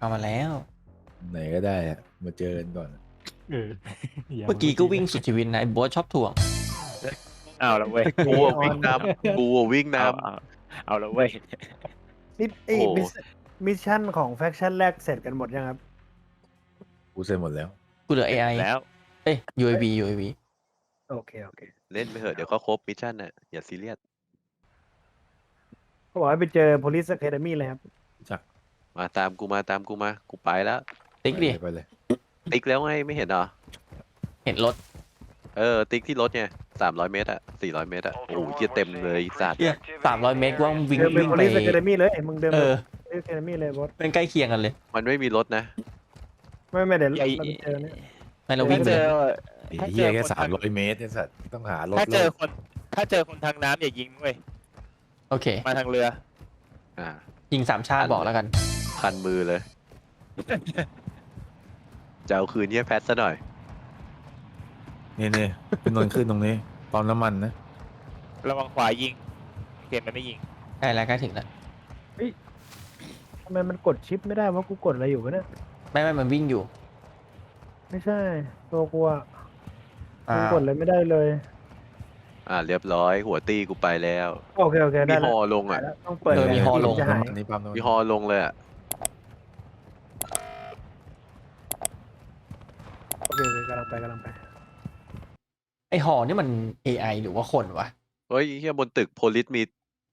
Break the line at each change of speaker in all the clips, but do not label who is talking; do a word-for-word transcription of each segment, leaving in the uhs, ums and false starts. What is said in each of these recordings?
เข้ามาแล้ว
ไหนก็ได้อะมาเจอกันก่อน
เออ
เมื่อกี้ก็วิ่งสุดชีวิตนะไอ้โบ๊ทชอบถ่วง
เอาละเว้ย
กูอะวิ่งนำกูอะวิ่งน
เอาเอาเอาละเว้ย
นี่ไอ้
โอ้โห
มิชมิชชั่นของแฟคชั่นแรกเสร็จกันหมดยังครับ
กูเสร็จหมดแล้ว
กูเหลือ เอ ไอ
แล้ว
เอ้ย ยู เอ วี ยู เอ วี
โอเคโอเค
ำเล่นไปเถอะเดี๋ยวก็ครบมิชชั่นน่ะอย่าซีเรียส
เขาบอกให้ไปเจอ police academy เลยครับ
จัก
มาตามกูมาตามกูมากูไปแล้ว
ติ๊กดิ
ไปเลย
ติ๊กแล้วไงไม่เห็นเหรอ
เห็นรถ
เออติ๊กที่รถไงสามร้อยเมตรอะสี่ร้อยเมตรอะโอ้โหเหี้ยเต็มเลยไอ้สัตว์
เฮียสามร้อยเมตรว่ามึงวิ่ง
เดินไป
วิ่งไป
police academy เลยมึงเดิน
เอ
ไป
อ
police academy เลยบอส
เป็นใกล้เคียงกันเลย
มันไม่มีรถนะ
ไม่ไม่เดี๋ยว
ไอ้
เราไปเจอเนี่ย
ไม่เราวิ่
ถ้าง
ไป
เจ
เล
อย
ไอ้
ถ้าเจ
เหี้ย
อ
แค่
คน
สาม
ทาง
ร้อยเมตรไอ้สัตว์ต้องหารถ
ถ้าเจ
โล
อก คนถ้าเจอคนทางน้ำอย่ายิงเว้ย
โอเค
มาทางเรือ
อ่า
ยิงสามชาติบอกแล้วกัน
คันมือเลยจะเอาคืนเหี้ยแพทซะหน่อย
นี่นี่เป็นนนขึ้นตรงนี้ปั๊มน้ำมันนะ
ระวังขวายิงเกมมันไม่ยิง
ใกล้แล้วใกล้ถึงแล้ว
ทำไมมันกดชิปไม่ได้วะกูกดอะไรอยู่วะเนี่ย
ไม่ไม่มันวิ่งอยู่
ไม่ใช่ตัวกูอะ
อ่า
กูกดอะไรไม่ได้เลย
อ่าเรียบร้อยหัวตีกูไปแล้ว
โอเคโอเค
มี
ได้
ฮ
แล้ว
อลงอ่ะ
ได้แล้วต้องเปิด
เออมีฮอลง
จะหาย
อันนี้ปั๊มน้ำมัน
มีฮอลงเลยอ่ะ
โอเคโอเคกำลังไปกำลังไป
ไอหอนี่มัน เอ ไอ หรือว่าคนวะ
เฮ้ยเฮียบนตึกโพลิสมี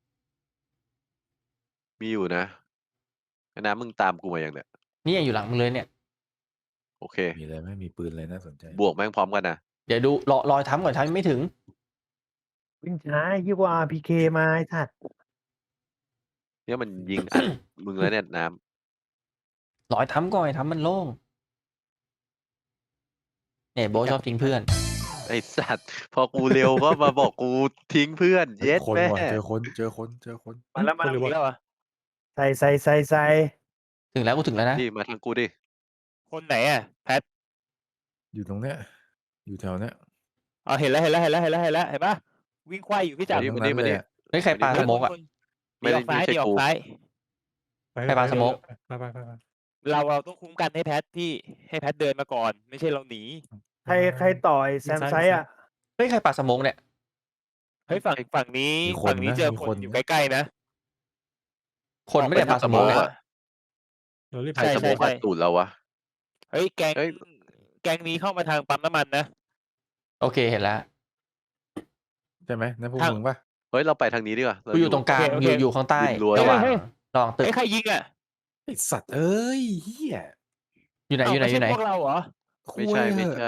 มีอยู่นะไอ้น้ำมึงตามกูมาอย่างเนี้ย
นี่ยังอยู่หลังมึงเลยเนี่ย
โอเค
มีอะไรไหมมีปืนอะไรน่าสนใจ
บวกแม่งพร้อมกันนะ
เดี๋ยวดูรอรอยทำก่อนทำยังไม่ถึง
วิ่งช้ายิ่งกว่า อาร์ พี เค มาไอ้สัตว์
เนี่ยมันยิงอัด มึงแล้วเนี่ยน้
รอยทำก่อนทำมันโล่งเนี่ยโบทชอบทิ้งเพื่อน
ำไอสัตว์ พอกูเร็วก็มาบอกกูทิ้งเพื่อน เย็ด
คน
แม่
ว่ะเจอคนเจอคนเจอคน
มาแล้วมาแล้วมาแล้วอ่ะ
ใส่ใส่ใส่ใส่
ถึงแล้วกูถึงแล้วนะ
นี่มาทางกูดิ
คนไหนอ่ะแพท
อยู่ตรงเนี้ยอยู่แถวเนี้ย
อ๋อเห็นแล้วเห็นแล้วเห็นแล้วเห็นแล้วเห็นแล้วเห็นปะวิ่งควายอยู่พี่จับ
มานี่มานี่มานี่
เฮ้ยใครปาสโมกอ่ะ
ไม่ได้
ดีออกซ้าย
ไม่ใช่
ดีออ
กู
กซ้าย
ไปปาสโมก
ไปไปไปไป
เราเราต้องคุ้มกันให้แพทพี่ให้แพทเดินมาก่อน ไม่ใช่เราหนี
ใครใครต่อยแซมไซส์อ่ะ
เฮ้ยใครปาสโมกเนี่ย
เฮ้ยฝั่งฝั่งนี้ฝั่งนี้เจอคนอยู่ใกล้ๆนะ
คนไม่ได้ปาสโมก
ออกไป
อะ
ทาง
เรารีบ
ใคร
ใช่
ส
ใช่
โมกอัดตูดเราวะ
เฮ้ยแกง
เฮ้ย
แกงนี้เข้ามาทางปั๊มน้ำมันนะ
โอเคเห็นแล้ว
ใช่ไหมนั่นพวก
ทาง
มึงปะ
เฮ้ยเราไปทางนี้ดีกว่าเา
กูอยู่ตรงกลาง
โอ
อ
เค
ยู่
โอเค
อยู่ข้างใต้
ริมรั้ว
ระหว่าง
เฮ้ย
ระหว่างตึก
ไอ้ยใครยิงอ่ะ
ไอสัตว์เอ้ยเฮีย
อยู่ไหนอยู่ไหน
เา
อยู่ไหน
ม่ใช่พวกเราเหรอ
ไม่ใช่ไม่ใช่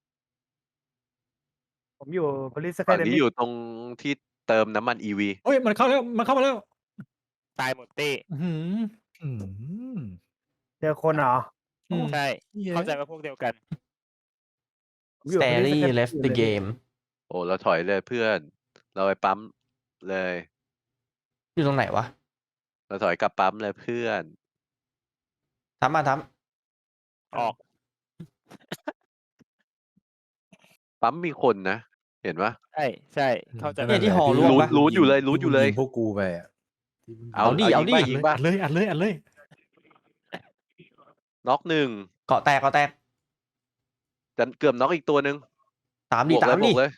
ผมอยู่ police
ฝั่งนี้
academy
อยู่ตรงที่เติมน้ำมันอีวี
เฮ้ยมันเข้าแล้วมันเข้ามาแล้ว
ตายหมดเต้
อื้อหือ
อืม
เจอคนเหรอ
อืม
ใช่
เหี้ย
เข้าใจว่าพวกเดียวกัน
ผมอยู่ police
Stanley
academy
left
อยู่
the
เลย
game
โอ้เราถอยเลยเพื่อน เราไปปั๊มเลย
อยู่ตรงไหนวะ
เราถอยกลับปั๊มเลยเพื่อน
ทำมาท
ออก
ปั๊มมีคนนะ เห็นปะ
ใช่ใช่เข้าใจ
ำเนี่ยที่หอร่วง
รู้
ปะ
รู้อยู่เลยรู้อยู่เลย
ที่มึงงพวกกูไปอ่ะที่มึง
เอา
เอาดิเอาดิ
ยิงป่ะ
อัดเลยอัดเลยอัดเลย
น็อกหนึ่ง
เกาะแตกเกาะแตก
จะเกือบน็อกอีกตัวหนึ่ง
ตาม
บ
ดิ
วก
ตา
เล
ม
ยบ
ดิ
วกเลย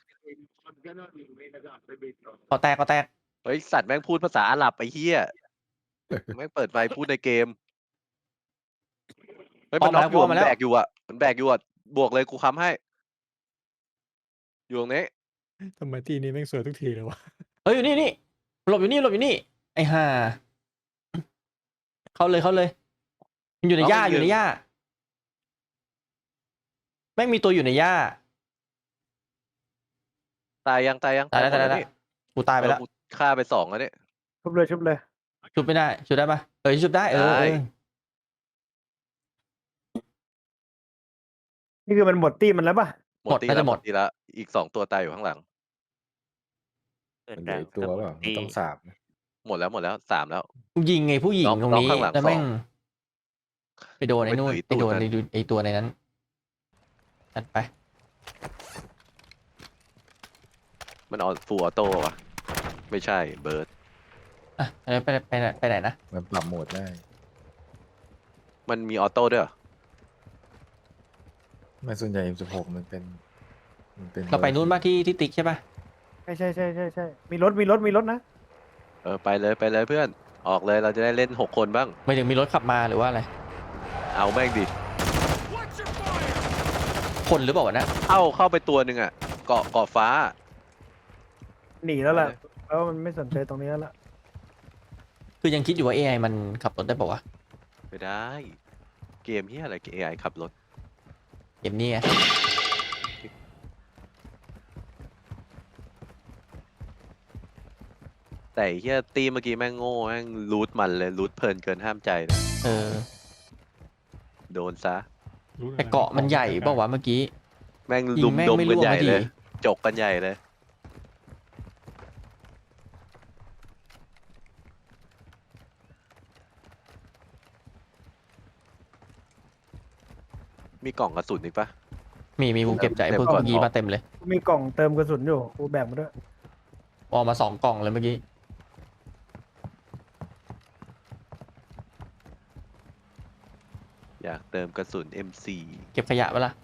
เกาะแตกเกาะแตก
เฮ้ยสัตว์แม่งพูดภาษาอาหรับไอ้เหี้ยแม่งเปิดไฟพูดในเกมเฮ้ยมันน็อกอยู่อะมันแบกอยู่อ่ะมันแบกอยู่อ่ะบวกเลยกูค้ำให้ อยู่ตรงนี้
ทำไมทีนี้แม่งสวยทุกทีเลยวะ
เฮ้ยอยู่นี่นี่หลบอยู่นี่หลบอยู่นี่ไอ้ห่าเข้าเลยเข้าเลยมันอยู่ในหญ้าอยู่ในหญ้าแม่งมีตัวอยู่ในหญ้า
ตายยังตายยัง
ตายแล้ว
หม
ตาย
ด
แล้ว
นี่
กูตายไปแล้ว
เออกูฆ่าไปสองแล้วเนี่ย
ชุบเลยชุบเลย
ชุบไม่ได้ชุบได้ปะเออชุบได้เออ
ได้
เออ
นี่คือมันหมดตี้มันแล้วป่ะ
หมดตีแล้วหมดตีแล้วอีกสองตัวตายอยู่ข้างหลัง
มันเหลืออีกตัวเปล่ามันต้องสาบนะ
หมดแล้วหมดแล้วสามแล้ว
กูยิงไงผู้หญิง
น้อง
ตรงนี้
น้องข้างหลัง
แล้วแม่ง
สอง
ไปโดนไอ้นู่น
ไป
ไปโดน
ตุ๋ยตูดมัน
ไอ้ดูไอ้ตัวในนั้นจัดไป
มันออฟูออโต้วะไม่ใช่เบิร์ด
อ่ะไปไปไปไหนไปไหนนะ
มันปรับโหมดได้
มันมีออโต้ด้วยเหรอ
ไม่ส่วนใหญ่ เอ็ม สิบหก มันเป็นมันเป็น
เราไปนู้นบ้างที่ที่ติ๊กใช่ปะ
ใช่ใช่ใช่ใช่ใช่มีรถมีรถมีรถนะ
เออไปเลยไปเลยเพื่อนออกเลยเราจะได้เล่นหกคนบ้าง
ไม่ถึงมีรถขับมาหรือว่าอะไร
เอาแม่งดิ
คนหรือเปล่าวะนะ
เข้าเข้าไปตัวหนึ่งอ่ะเกาะเกาะฟ้า
หนีแล้วแหละ
ไปเลย
แล้วมันไม่สนใจตรงนี้แล้วล่ะ
คือยังคิดอยู่ว่า เอ ไอ มันขับรถได้ป่าวะ
ไม่ได้ เกมเฮียอะไร เอ ไอ ขับรถ
เกมนี้ไง
แต่ไอ้เฮียตีเมื่อกี้แม่งโง่แม่งรูทมันเลยรูทเพลินเกินห้ามใจเลย
เออ
โดนซะ
รู้ลย
แต่เกาะมันใหญ่เปล่าวะเมื่อกี้
แม่ง
ยิ
ลุ
ง
ม
แม่ง
ดม
ไม่
กัน
ร่วง
ใหญ่
สักที
เลย จกกันใหญ่เลย มีกล่องกระสุนอีกปะ
มีมีกูเก็บใจ
เต็ม
พวก
ก่อน
เมื่อกี้มาเต็มเลย
มีกล่องเติมกระสุนอยู่กูแบกมาด้วย
ออกมาสองกล่องเลยเมื่อกี้
อยากเติมกระสุน เอ็ม โฟร์
เก็บขยะปะล่ะ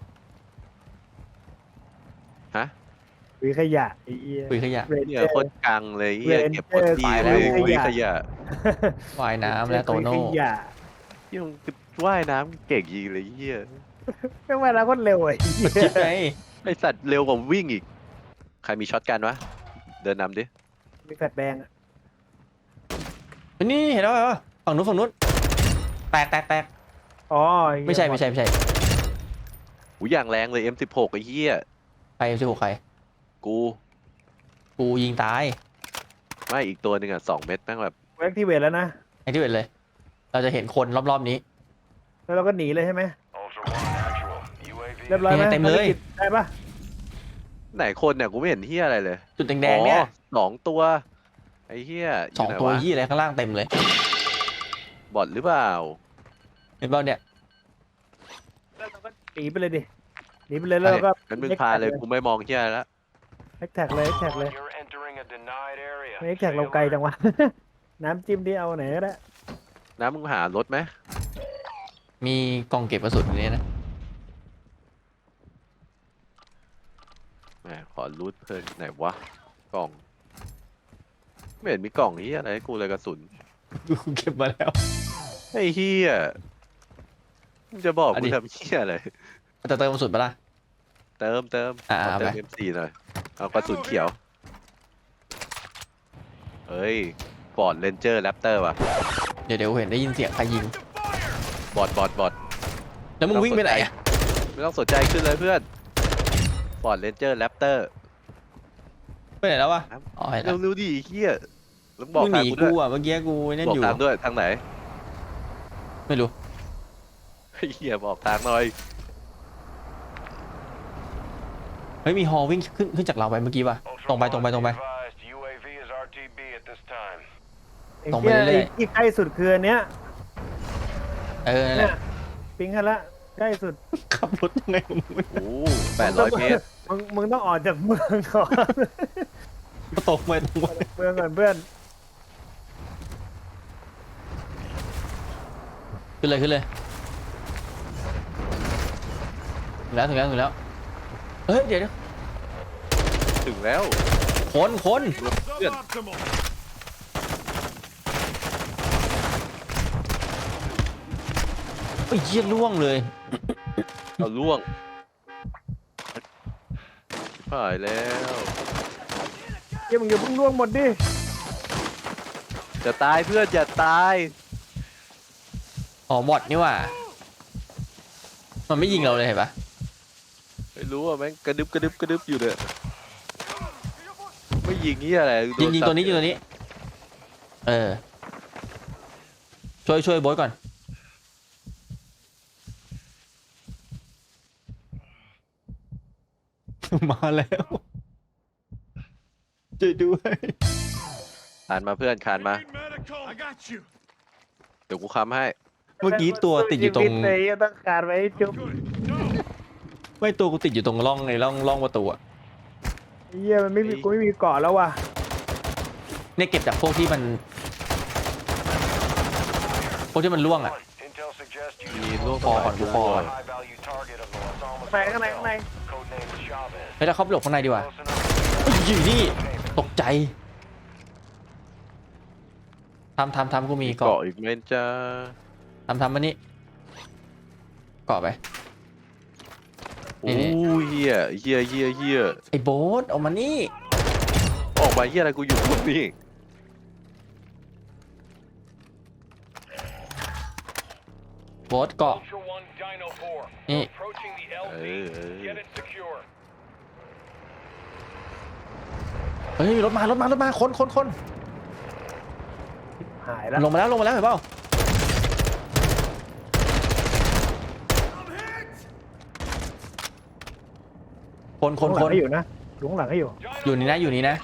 ฮะ
วีขยะไอ้เหี้ย
คุยขยะ
เรน
เนี่
เจ
ย
อ
โค
ร์
ตรกังเลยเฮีย
เรนเจอร์
เก็บหมดที่
ตาย
เล
แล้ว
ย
คุย
วิ่ง
ข
ข
ยะ
ยะ
ว่ายน้ำและโตโน่
คุยขยะ
เฮียมึงว่ายน้ำเก่งยิงเลยเฮีย
ไม่ว่าแล้วก็เร็วไอ้เหี้ย
คิดไง
ไอสัตว์เร็วกว่าวิ่งอีก ใครมีช็อตกันวะ เดินนำดิ
มีแฟลชแบงอะ
นี่เห็นแล้วเหรอฝั่งนู้นฝั่งนู้นแตกแตกแตก
อ๋ออ้เหี้ย
ไม่ใช่ไม่ใช่ไม่ใช่
หูอย่างแรงเลย เอ็ม สิบหก ไอ้เหี้ย
ใครชื่อใคร
กู
กูยิงตาย
ไม่อีกตัวหนึ่งอ่ะสองเม็ดแม่งแบบ
กูแอคทีเวทแล้วนะ
ไอ้ที่เห็นเลย เราจะเห็นคนรอบๆนี้
แล้วเราก็หนีเลยใช่ไหมเรียบร้อยไหม
เนี่ยเต็มเลย
ภารกิจได้ปะ
ไหนคนเนี่ยกูไม่เห็นเหี้ยอะไรเลย
จุดแดงๆเนี่ย
อ๋อสองตัว ไอ้เหี้ยยู่
สอง
ไหนะ
ตัวยี่อะไรข้างล่างเต็มเลย
บอทหรือเปล่า
เห็นเปล่าเนี่ย
แล้วเราก็หนีไปเลยดิหนีไปเลยแล้วเราก็
งั้นมึงพาเลยกูไม่มองเหี้ยอะไรละ
แฮกแท็กเลยแฮกแท็กเลยไม่แฮกแท็กเราไกลจังวะ น้ำจิ้มที่เอาไหนก็ได้
น้ำมึงหารถไหม
มีกล่องเก็บกระสุนอยู่ในนี้นะ
แหมขอรูดเพลินไหนวะ กล่อง ไม่เห็นมีกล่องเหี้ยอะไรให้กูเลยกระสุน
กูเก็บมาแล้ว
ไอ้เหี้ยมึงจะบอก
อัน
กู
นี้
ทำเหี้ยอะไร
จะเติมกระสุนปะล่ะ
เติมเติม
อ่า
เอาเติม
ไป
เอ็ม โฟร์ หน่อย เอากระสุนเขียว เฮ้ยฟอร์ดเรนเจอร์แรปเตอร์ว่ะ
เดี๋ยวเดี๋ยวเห็นได้ยินเสียงใครยิง
บอดบอดบอด
แล้วมึงวิ่งไปไหนอะ
ไม่ต้องสนใจขึ้นเลยเพื่อนฟอร์ดเรนเจอร์แรปเตอร์
ไปไหนแล้ววะอ๋อเห็นแล้ว
เร็วๆดิเฮียแล้วบอก
มึงห
ทาง
นี
กูด้
กู
วย
อ่ะเมื่อกี้กูนั่น
บอก
อยู่
ทางด้วยทางไหน
ไม่รู้
เฮียบอกทางหน่อย
เฮ้ยมีฮอวิ่งขึ้นขึ้นจากเราไปเมื่อกี้ป่ะตรงไปตรงไปตรงไป
ไอ้
ตรงไป
เหี้ย
เรื่อยๆ
ไอ้ที่ใกล้สุดคืออันเนี้ย
เออนั่นแห
เนี่
ละ
ยปิงกันละใกล้สุด
ขับรถยังไงของมึง
โอ้แปดร้อยเมตร
มึงมึงต้องออกจากเมืองก่อน
ตกไปตรงไป
เมืองก่อนเพื่อน
ขึ้นเลยขึ้นเลยถึงแล้วถึงแล้วถึงแล้วเฮ้ยเดี๋ยวเดี๋ยว
ถึงแล้ว
คนคน
เพื่อน
ไอ้ยเยี่ยล่วงเลย
เอาล่วงผ่ายแล้ว
เดี๋ยวมึงอย่าเพิ่งล่วงหมดดิ
จะตายเพื่อนอย่าตาย
อ๋อบอทนี่หว่ามันไม่ยิงเราเลยเห็นปะ
ไม่รู้อ่ะแม่งกระดึบกระดึบกระดึบอยู่เนี่ยไม่ยิงนี่อะไรโด
ยิงยิง
ซัด
ตัวนี้ยิงตัวนี้ เออ ช่วยช่วยโบ๊ทก่อน มาแล้วช่วยด้วย
คานมาเพื่อนคานมาเดี๋ยวกูค้ำให้
เมื่อกี้ตัวติดอยู่ตรง
ชีวิเลยต้องการไว้ให้จุ๊บ
ไม่ตัวกูติดอยู่ตรงร่องในร่องร่องประตูอะ
เหี้ยมันไม่มีกูไม่มีเกาะแล้วว่ะ
เนี่ยเก็บจากพวกที่มัน พวกที่มันล่วงอะ
มีลูก
พอก่อนกูพอก่อน
ข้างในข้างในข้างใน
เฮ้ยเราเข้าไปหลบข้างในดีกว่าเฮ้ยอยู่นี่ตกใจทำทำทำกูมี
มี
เกาะ
เกาะอีกไหมจ้า
ทำทำมานี่เกาะไป
โอ้
นี่
ยเฮียเฮียเฮียเฮีย
ไอ้โบ๊ทเอามานี่
ออกมาเฮียอะไรกูอยู่ตรงนี้
โบ๊ทเกาะนี่
เออเออ
เฮ้ยรถมารถมารถมาคนคนคน
หายแล้ว
ลงมาแล้วลงมาแล้วเห็นเปล่าคนคน
ลุงห
ค
ลัง
น
ให้อยู่นะลุงหลังให้อยู่
อยู่นี่นะอยู่นี่นะ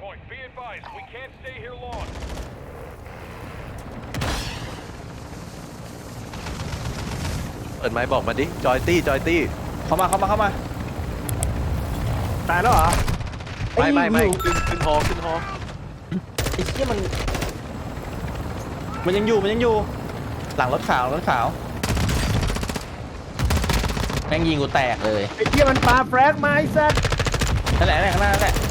เปิดไม้บอกมาดิจอยตี้จอยตี้
เข้ามาเข้ามาเข้ามา
ตายแล้วเหรอ
ไม่ไม่ไม่
อ้อยู่
ขึ้นขึ้นฮอขึ้นฮอ
ไอ้เหี้ยมันมันยังอยู่มันยังอยู่ หลังรถขาวรถขาวแม่งยิงกูแตกเลย
ไอ้เหี้ยมันปาแฟรกมาไอ้สัส
นั่นแหละนั่นแหละข้างหน้านั่นแหละ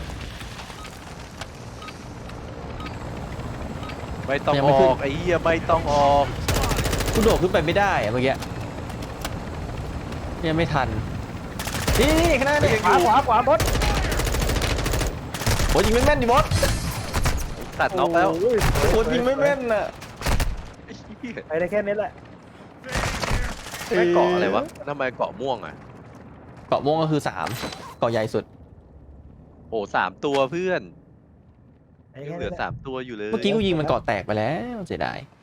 ไม่ต้อง
ยัง
อ
ไม่ขึ้น
อกไอ้เหี้ยไม่ต้องออก
กูโดดขึ้นไปไม่ได้อะเมื่อกี้ยังไม่ทันนี่นี่ข้างหน้าเนี่ย
ขวาขวาขวาบด
โอ้ยยิงไม่แม่นดิบอส
ตัดน็อกแล้ว
โอ้ย
โอ้ยยิงไม่แม่นอ่ะ
ไอ้เหี้ย
ไปได้แค่นี้แหละ
ไม่เกาะอะไรวะทำไมเกาะม่วงอ่ะ
เกาะม่วงก็คือสามเกาะใหญ่สุด
โอ้สามตัวเพื่อน
ไป
ยัง
แค่
เหลื
นี้
อ
แหละ
สามตัวอยู่เลย
เมื่อกี้กูยิงมันเกาะแตกไปแล้วเสียดาย